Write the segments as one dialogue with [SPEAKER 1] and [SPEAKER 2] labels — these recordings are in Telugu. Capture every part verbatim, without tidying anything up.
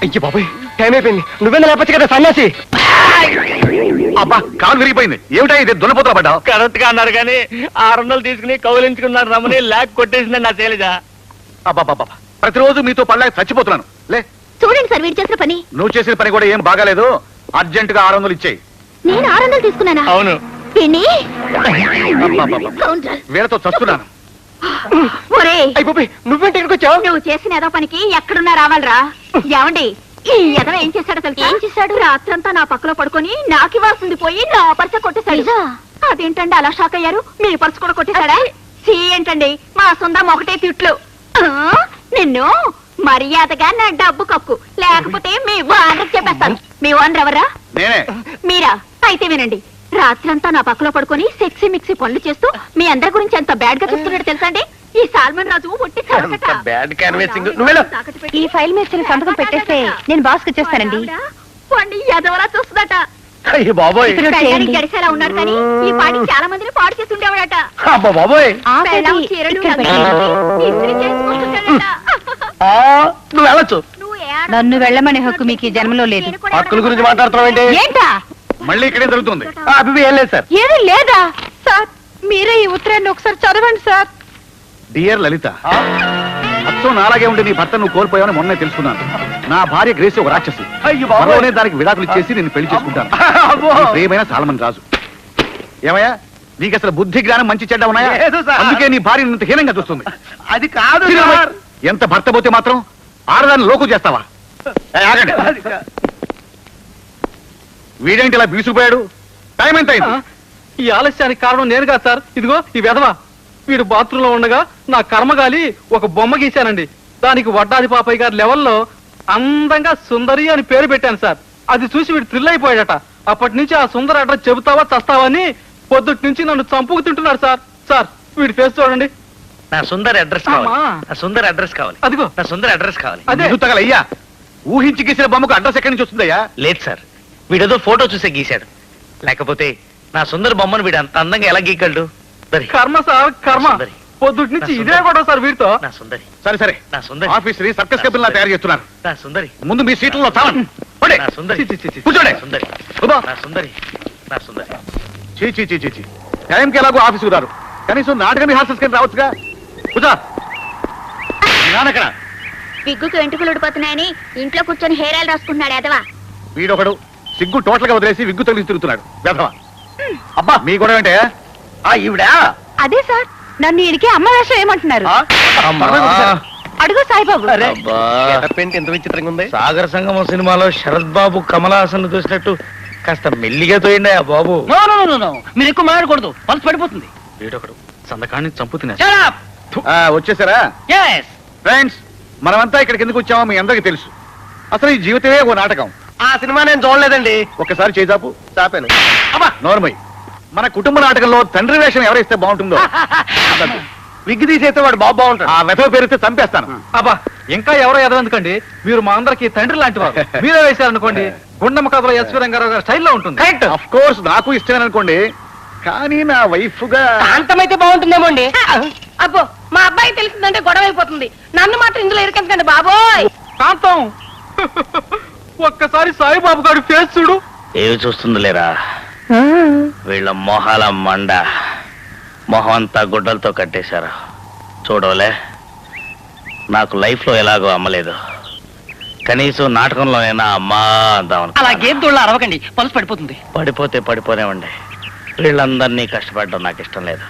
[SPEAKER 1] అయ్యి బాబాయ్ టైం అయిపోయింది. నువ్వేనా లేకపోతే కదా సన్యాసి.
[SPEAKER 2] అబ్బా కాలు విరిగిపోయింది. ఏమిటా ఇది దున్నపోతల పడ్డా?
[SPEAKER 1] కరెక్ట్ గా అన్నారు కానీ ఆరు వందలు తీసుకుని కౌలించుకున్నారు రమణి లాక్ కొట్టేసింది నా శైలజ.
[SPEAKER 2] అబ్బా ప్రతిరోజు మీతో పడలేక చచ్చిపోతున్నాను. లే
[SPEAKER 3] చూడండి సార్ వీడు చేసిన పని.
[SPEAKER 2] నువ్వు చేసిన పని కూడా ఏం బాగాలేదు. అర్జెంట్ గా ఆరు వందలు ఇచ్చేయి.
[SPEAKER 3] నేను ఆరు వందలు తీసుకున్నానా?
[SPEAKER 1] అవును.
[SPEAKER 2] వీళ్ళతో చస్తున్నాను.
[SPEAKER 3] నువ్వేంటి ఇక్కడికి వచ్చావు? నువ్వు చేసిన ఏదో పనికి ఎక్కడున్నా రావాలరా. ఏమండి ఈ ఎదవ ఏం చేశాడో తెలుసా? ఏం చేశాడు? రాత్రంతా నా పక్కలో పడుకొని నాకు ఇవ్వాల్సింది పోయి నా పర్స కొట్టేశాడు. అదేంటండి అలా షాక్ అయ్యారు? మీ పర్సు కూడా కొట్టేశాడా? సీ ఏంటండి మా సొంతం ఒకటే తిట్లు. నిన్ను మర్యాదగా నా డబ్బు కక్కు, లేకపోతే మీ ఓనర్ చెప్పేస్తాను. మీ ఓనర్ ఎవరా? మీరా? అయితే వినండి. రాత్రంతా నా పక్కలో పడుకొని సెక్సీ మిక్సీ పనులు చేస్తూ మీ అందరి గురించి ఎంత బ్యాడ్ గా చూస్తున్నాడు తెలుసా అండి? ఈ సాల్మన్ రాజు ఈ ఫైల్ మీద సంతకం పెట్టేస్తే నేను బాస్ వచ్చేస్తానండి. ఎదవలా చూస్తుందట. గడిసేలా ఉన్నాడు కానీ ఈ పాటి చాలా మందిని పాడు చేసి ఉండేవాడట.
[SPEAKER 1] నువ్వు వెళ్ళొచ్చు.
[SPEAKER 3] నన్ను వెళ్ళమనే హక్కు మీకు ఈ జన్మలో లేదు.
[SPEAKER 1] హక్కుల గురించి మాట్లాడుతున్నావు
[SPEAKER 3] ఏంటా?
[SPEAKER 2] మళ్ళీ ఇక్కడే జరుగుతుంది.
[SPEAKER 1] ఏం లేదు సార్.
[SPEAKER 3] ఏమీ లేదా సార్? మీరే ఈ ఉత్తరాన్ని ఒకసారి చదవండి సార్.
[SPEAKER 2] డియర్ లలిత, అచ్చం నాలాగే ఉండి నీ భర్త నువ్వు కోల్పోయావని మొన్నే తెలుసుకున్నాను. నా భార్య గ్రేసి ఒక రాక్షసి. త్వరలోనే దానికి విడాకులు ఇచ్చేసి నేను పెళ్లి చేసుకుంటాను. ప్రియమైన సాల్మన్ రాజు. ఏమయ్యా నీకు అసలు బుద్ధి జ్ఞానం మంచి చెడ్డ ఉన్నాయా? అందుకే నీ భార్య ఇంత హీనంగా చూస్తుంది.
[SPEAKER 1] అది కాదు.
[SPEAKER 2] ఎంత భర్త పోతే మాత్రం ఆడదాన్ని లోకు చేస్తావా? వీడేంటి ఇలా బీసుకుపోయాడు? టైం ఎంత అయింది?
[SPEAKER 1] ఈ ఆలస్యానికి కారణం నేను కాదు సార్. ఇదిగో ఈ వెధవ వీడు బాత్రూమ్ లో ఉండగా నా కర్మగాలి ఒక బొమ్మ గీశానండి. దానికి వడ్డాది పాపయ్య గారి లెవెల్లో అందంగా సుందరి అని పేరు పెట్టాను సార్. అది చూసి వీడు థ్రిల్ అయిపోయాడట. అప్పటి నుంచి ఆ సుందర అడ్రస్ చెబుతావా చస్తావా అని పొద్దుటి నుంచి నన్ను చంపుకు తింటున్నాడు సార్. సార్ వీడి ఫేస్ చూడండి.
[SPEAKER 4] నా సుందర అడ్రస్ కావాలి. నా సుందర అడ్రస్ కావాలి.
[SPEAKER 1] అదిగో
[SPEAKER 4] నా సుందర అడ్రస్ కావాలి.
[SPEAKER 2] అదే అయ్యా, ఊహించి గీసిన బొమ్మకు అడ్రస్ ఎక్కడి నుంచి వస్తుందయ్యా?
[SPEAKER 4] లేదు సార్, వీడేదో ఫోటో చూసే గీశాడు. లేకపోతే నా సుందర బొమ్మను వీడు అంత అందంగా ఎలా గీకల్డు?
[SPEAKER 1] కర్మ సార్ కర్మ. పొద్దుటి నుంచి ఇదే కూడా సార్ వీడితో.
[SPEAKER 4] నా సుందరి.
[SPEAKER 2] సరే సరే,
[SPEAKER 4] నా సుందరి
[SPEAKER 2] ఆఫీస్ ని సర్కస్ కపిల్ లా తయారు చేస్తున్నారు.
[SPEAKER 4] నా సుందరి
[SPEAKER 2] ముందు మీ సీట్లలో చావండి.
[SPEAKER 4] నా సుందరి
[SPEAKER 2] కూర్చోండి.
[SPEAKER 4] సుందరి నా సుందరి నా సుందరి.
[SPEAKER 2] చీ చీ చీ చీ టైంకి ఎలాగో ఆఫీస్కి రారు. కనీసం నాటకం రిహార్సల్స్ కింద రావచ్చుగా. కూర్చో. నానక్కడ
[SPEAKER 3] విగ్గుకి వెంట్రుకలు ఉడిపోతున్నాయని ఇంట్లో కూర్చొని హెయిర్ ఆయిల్ రాసుకుంటున్నాడు ఎదవా.
[SPEAKER 2] వీడొకడు సిగ్గు టోటల్ గా వదిలేసి విగ్గు తగిలి తిరుగుతున్నాడు వెధవ. అబ్బా మీ గొడవ ఏంటే?
[SPEAKER 1] ఈవిడా?
[SPEAKER 3] అదే సార్, నన్ను ఈయనకి అమ్మ వేషం ఏమంటున్నారు? అడుగు సాయిబాబు.
[SPEAKER 1] ఎంత విచిత్రంగా ఉంది.
[SPEAKER 4] సాగర సంగమం సినిమాలో శరత్ బాబు కమలాసన్ చూసినట్టు కాస్త మెల్లిగా తోయండి ఆ బాబు.
[SPEAKER 1] మీరు ఎక్కువ మాట్లాడకూడదు, పల్స్ పడిపోతుంది.
[SPEAKER 4] వీడొకడు సందకాన్ని చంపుతున్నా.
[SPEAKER 2] వచ్చేసారా ఫ్రెండ్స్? మనమంతా ఇక్కడికి ఎందుకు వచ్చామో మీ అందరికీ తెలుసు. అసలు ఈ జీవితమే ఓ నాటకం.
[SPEAKER 1] ఆ సినిమా నేను చూడలేదండి.
[SPEAKER 2] ఒక్కసారి చేజాపు.
[SPEAKER 1] చాపాను.
[SPEAKER 2] అబ్బా నోర్మై. మన కుటుంబ నాటకంలో తండ్రి వేషం ఎవరైతే బాగుంటుందో
[SPEAKER 1] విగ్గు తీసేస్తే వాడు బాబు బాగుంటాడు.
[SPEAKER 2] ఆ వెధవ పేరుతో చంపేస్తాను.
[SPEAKER 1] అబ్బా ఇంకా ఎవరో ఎదవెందుకండి, మీరు మా అందరికి తండ్రి లాంటి వారు. మీరే వేశారనుకోండి గుండమ్మ కథలో ఎస్వి రంగారావు గారి స్టైల్లో ఉంటుంది.
[SPEAKER 2] కరెక్ట్. ఆఫ్ కోర్స్ నాకు ఇష్టమే అనుకోండి, కానీ నా వైఫ్ గా
[SPEAKER 5] అంతమైతే బాగుంటుందేమో అండి. అబ్బో మా అబ్బాయి తెలిసిందంటే గొడవ అయిపోతుంది. నన్ను మాత్రం ఇందులో ఇరకండి బాబోయ్.
[SPEAKER 1] కాంతం ఒక్కసారి సాయిబాబు గారి ఫేస్ చూడు.
[SPEAKER 4] ఏవి చూస్తుంది లేరా వీళ్ళ మొహాల మండ. మొహం అంతా గుడ్డలతో కట్టేశారు. చూడవలే, నాకు లైఫ్ లో ఎలాగో అమ్మలేదు, కనీసం నాటకంలోనైనా అమ్మా అందాం.
[SPEAKER 5] అలా గేదెళ్ళ అరవకండి, పల్స్ పడిపోతుంది.
[SPEAKER 4] పడిపోతే పడిపోనేవ్వండి. వీళ్ళందరినీ కష్టపడడం నాకు ఇష్టం లేదు.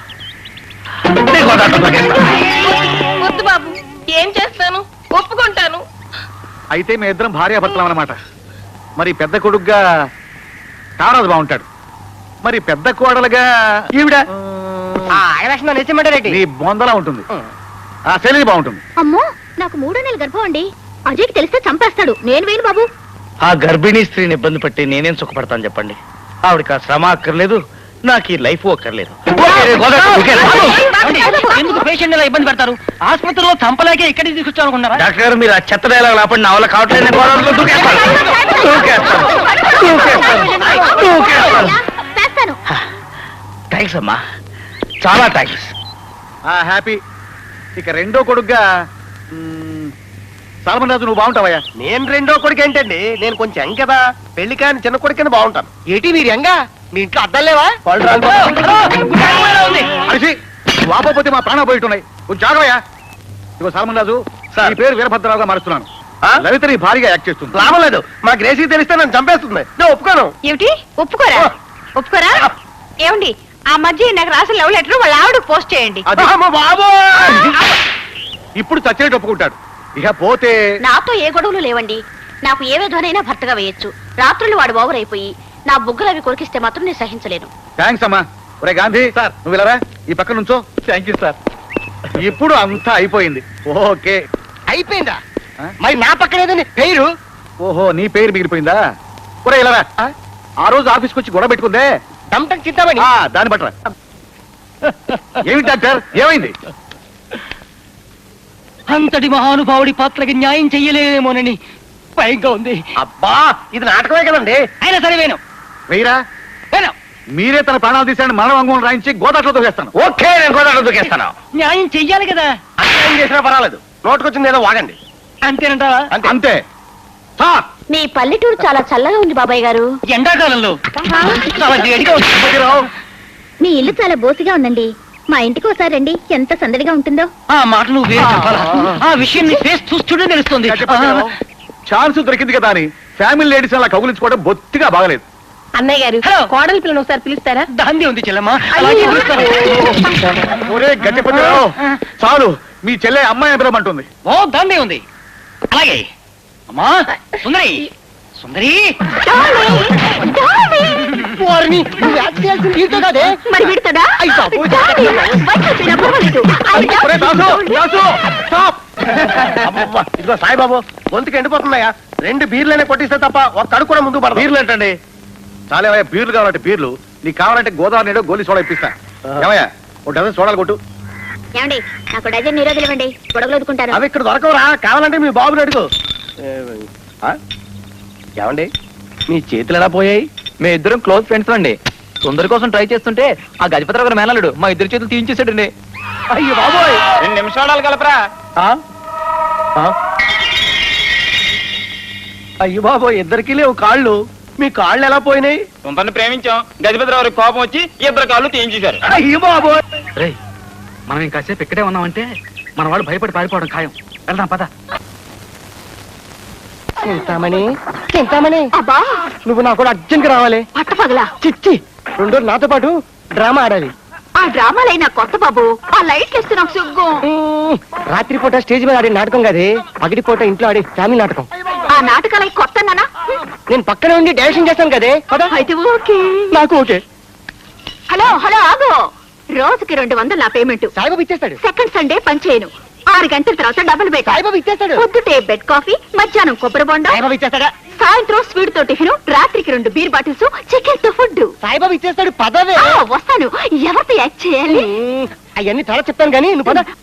[SPEAKER 5] వద్దు బాబు, ఏం చేస్తాను, ఒప్పుకుంటాను.
[SPEAKER 2] అయితే మీ ఇద్దరం భార్యాభర్తలం అన్నమాట. మరి పెద్ద కొడుకుగా కారాజు బాగుంటాడు, మరి పెద్ద కోడలుగా ఈవిడ నీ బొందలా ఉంటుంది. ఆ శైలి బాగుంటుంది.
[SPEAKER 3] అమ్మో నాకు మూడో నెలల గర్భం అండి. అజయ్కి తెలిస్తే చంపేస్తాడు. నేను వేయను బాబు.
[SPEAKER 4] ఆ గర్భిణీ స్త్రీని ఇబ్బంది పట్టి నేనేం సుఖపడతాను చెప్పండి? ఆవిడకి ఆ శ్రమ అక్కర్లేదు, నాకు ఈ లైఫ్ అక్కర్లేదు.
[SPEAKER 5] ఎందుకు పేషెంట్ ఇలా ఇబ్బంది పెడతారు? ఆసుపత్రిలో చంపలేకే ఇక్కడికి తీసుకొచ్చానుకున్నారా?
[SPEAKER 4] డాక్టర్ గారు మీరు ఆ చెత్త డైలాగ్ లేపండి. నా వల్ల కావట్లేదు. థ్యాంక్స్ అమ్మా, చాలా థ్యాంక్స్.
[SPEAKER 2] హ్యాపీ. ఇక రెండో కొడుకుగా సాల్మన్ రాజు నువ్వు బాగుంటావయ్యా.
[SPEAKER 6] నేను రెండో కొడుకు ఏంటండి, నేను కొంచెం యంగ్ కదా, పెళ్లి కాని చిన్న కొడుకు కింద బాగుంటాను.
[SPEAKER 4] ఏటి మీరు ఎంగా మీ ఇంట్లో అద్దం లేవా?
[SPEAKER 2] అరిసి నువ్వు ఆపకపోతే మా ప్రాణం పోయిట్టున్నాయి. కొంచెం జాగ్రయ్యా. ఇగో సాల్మన్ రాజు,
[SPEAKER 6] సార్.
[SPEAKER 2] నీ పేరు వీరభద్రరావుగా మారుస్తున్నాను.
[SPEAKER 6] ఆ?
[SPEAKER 2] లలిత నీ భారీగా యాక్ట్ చేస్తుంది.
[SPEAKER 6] లాభం లేదు, మా గ్రేసీ తెలిస్తే నన్ను చంపేస్తుంది. నేను ఒప్పుకోను.
[SPEAKER 3] ఏమిటి ఒప్పుకోరా ఒప్పుకోరా ఏమండి ఆ మధ్య నాకు రాసిన లవ్ లెటర్ వాళ్ళ ఆవిడ పోస్ట్ చేయండి.
[SPEAKER 2] అది
[SPEAKER 6] అమ్మ బాబు,
[SPEAKER 2] ఇప్పుడు చచ్చేటి ఒప్పుకుంటాడు. ఇక పోతే
[SPEAKER 3] నాతో ఏ గొడవలు లేవండి. నాకు ఏ విధమైనా భర్తగా వేయొచ్చు. రాత్రులు వాడు ఓవర్ అయిపోయి నా బుగ్గలు అవి కొరికిస్తే మాత్రం నేను సహించలేను.
[SPEAKER 2] థ్యాంక్స్ అమ్మా. ఒరే గాంధీ
[SPEAKER 1] సార్.
[SPEAKER 2] నువ్వు ఇలా రా, ఈ పక్క నుంచో.
[SPEAKER 1] Thank you sir.
[SPEAKER 2] ఇప్పుడు అంతా అయిపోయింది. ఓకే.
[SPEAKER 4] అయిపోయిందా?
[SPEAKER 2] ఆ?
[SPEAKER 4] మరి నా పక్కన ఏదండి పేరు?
[SPEAKER 2] ఓహో నీ పేరు మిగిలిపోయిందా? ఒరే ఇలా రా. ఆ రోజు ఆఫీస్కి వచ్చి గొడవ పెట్టుకుందే,
[SPEAKER 4] టంటం చిద్దామని.
[SPEAKER 2] ఆ, దాన్ని బట్టరా. ఏమిటి డాక్టర్, ఏమైంది?
[SPEAKER 4] అంతటి మహానుభావుడి పాత్రకి న్యాయం చెయ్యలేమోనని భయంగా ఉంది.
[SPEAKER 6] అబ్బా ఇది నాటకమే కదండి.
[SPEAKER 4] అయినా సరే వేను
[SPEAKER 2] వెయ్యరా.
[SPEAKER 4] వేను
[SPEAKER 2] మీరే తన ప్రాణాలు తీసాడని మరణ వంగం రాయించి గోదాట్లో దూకేస్తాను.
[SPEAKER 6] ఓకే, నేను గోదావరి దూకేస్తాను.
[SPEAKER 4] న్యాయం చెయ్యాలి కదా.
[SPEAKER 6] అన్యాయం చేసినా పర్వాలేదు, నోటుకొచ్చింది ఏదో వాగండి.
[SPEAKER 4] అంతేనంటావా?
[SPEAKER 6] అంతే.
[SPEAKER 2] అంతే. సార్.
[SPEAKER 3] మీ పల్లెటూరు చాలా చల్లగా ఉంది బాబాయ్ గారు.
[SPEAKER 4] ఎండాకాలంలో చాలా వేడిగా ఉంది.
[SPEAKER 2] రావు.
[SPEAKER 3] మీ ఇల్లు చాలా బోసిగా ఉందండి. మా ఇంటికి ఒకసారి రండి, ఎంత సందడిగా ఉంటుందో.
[SPEAKER 4] ఆ మాట నువ్వు వేరు చెప్పాలా? ఆ విషయం నీ ఫేస్ చూస్తుంటే తెలుస్తుంది.
[SPEAKER 2] ఛాన్స్ దొరికింది కదా అని ఫ్యామిలీ లేడీస్ అలా కౌగులించుకోవడం బొత్తిగా బాగలేదు.
[SPEAKER 5] అన్నయ్య గారు
[SPEAKER 4] హలో.
[SPEAKER 5] కోడలి పిల్లని ఒకసారి పిలుస్తారా?
[SPEAKER 4] దాంది ఉంది చెల్లమ్మ. అలాగే పిలుస్తాను.
[SPEAKER 2] ఒరే గట్టిపతిరావు, చాలు. మీ చెల్లె అమ్మాయి పిలవమంటుంది.
[SPEAKER 4] ఓ దాందే ఉంది. అలాగే అమ్మా సుందరి సుందరి వారిని నువ్వు యాక్ట్ చేయాల్సింది వీరితో కాదే.
[SPEAKER 3] మరి విడతదా?
[SPEAKER 4] అయ్య బాబోయ్.
[SPEAKER 2] ఒరే దాసు, దాసు, స్టాప్.
[SPEAKER 6] అబ్బబ్బా, ఇదిగో సాయిబాబు, గొంతుకి ఎండిపోతున్నాయా? రెండు బీర్లనే కొట్టిస్తే తప్ప ఒక కడుపు కూడా ముందు పడదు.
[SPEAKER 2] బీర్లు ఏంటండి? చాలేవయ్యా, బీర్లు కావాలంటే బీర్లు. నీకు కావాలంటే గోదావరి నీడో గోలీ సోడా ఇప్పిస్తా. ఏమయ్యా, ఒక డజన్ సోడాలు కొట్టు.
[SPEAKER 3] ఏమండి నాకు డజన్ నిరోధులు ఇవ్వండి, గొడవలు వదుకుంటారు.
[SPEAKER 6] అవి ఇక్కడ దొరకవురా, కావాలంటే మీ బాబుని అడుగు. ఏ, ఆ? ఏమండి మీ చేతులు ఎలా పోయాయి?
[SPEAKER 1] మీ ఇద్దరం క్లోజ్ ఫ్రెండ్స్ అండి. సుందరి కోసం ట్రై చేస్తుంటే ఆ గజపతిరావు గారు మేనలుడు మా ఇద్దరు చేతులు తీయించేసాడండి.
[SPEAKER 6] అయ్యో బాబోయ్,
[SPEAKER 1] రెండు నిమిషాలు కలపరా.
[SPEAKER 6] ఆ? ఆ? అయ్యో బాబోయ్, ఇద్దరికి లేవు కాళ్ళు. మీ కాళ్ళు ఎలా పోయినాయి?
[SPEAKER 1] సుందరిని ప్రేమించాం, గజపతిరావు కోపం వచ్చి ఇద్దరు కాళ్ళు తీయించేశారు.
[SPEAKER 6] అయ్యో బాబోయ్.
[SPEAKER 1] రేయ్, మనం ఇంకాసేపు ఇక్కడే ఉన్నామంటే మన వాళ్ళు భయపడి పారిపోవడం ఖాయం. వెళ్దాం పద.
[SPEAKER 6] చింతామణి, చింతామణి,
[SPEAKER 3] అబ్బా
[SPEAKER 6] నువ్వు నాకు కూడా అర్జెంట్ గా రావాలి.
[SPEAKER 3] పట్టపగలా
[SPEAKER 6] చిచ్చి, రెండు రోజులు నాతో పాటు డ్రామా ఆడాలి.
[SPEAKER 3] ఆ డ్రామాలైన కొత్త బాబు, ఆ లైట్లు ఇస్తే నాకు సిగ్గు.
[SPEAKER 6] మ్మ్. రాత్రిపూట స్టేజ్ మీద ఆడే నాటకం కాదే, పగటిపూట ఇంట్లో ఆడే ఫ్యామిలీ నాటకం.
[SPEAKER 3] ఆ నాటకాలు కొత్త నానా?
[SPEAKER 6] నేను పక్కనే ఉండి డైరెక్షన్ చేస్తాను కదే. పద.
[SPEAKER 3] అయితే ఓకే.
[SPEAKER 6] నాకు ఓకే.
[SPEAKER 3] హలో హలో ఆగు. రోజుకి రెండు వందలు నా పేమెంట్.
[SPEAKER 6] సాయిబాబు ఇచ్చేస్తాడు.
[SPEAKER 3] సెకండ్ సండే పని చేయను. ఆరు గంటల తర్వాత డబుల్ బెడ్.
[SPEAKER 6] సాయిబాబు ఇచ్చేస్తాడు.
[SPEAKER 3] పొద్దుటే బెడ్ కాఫీ, మధ్యాహ్నం కొబ్బరి బొండ,
[SPEAKER 6] సాయిబాబు ఇచ్చేస్తాడా?
[SPEAKER 3] సాయంత్రం స్వీట్ తో టిఫిన్, రాత్రికి రెండు బీర్ బాటిల్స్, చికెన్ తో ఫుడ్.
[SPEAKER 6] సాయిబాబు ఇచ్చేస్తాడు. పదవే.
[SPEAKER 3] వస్తాను. ఎవరితో యాక్ట్ చేయాలి?
[SPEAKER 6] అవన్నీ చాలా చెప్తాను కానీ నువ్వు పద.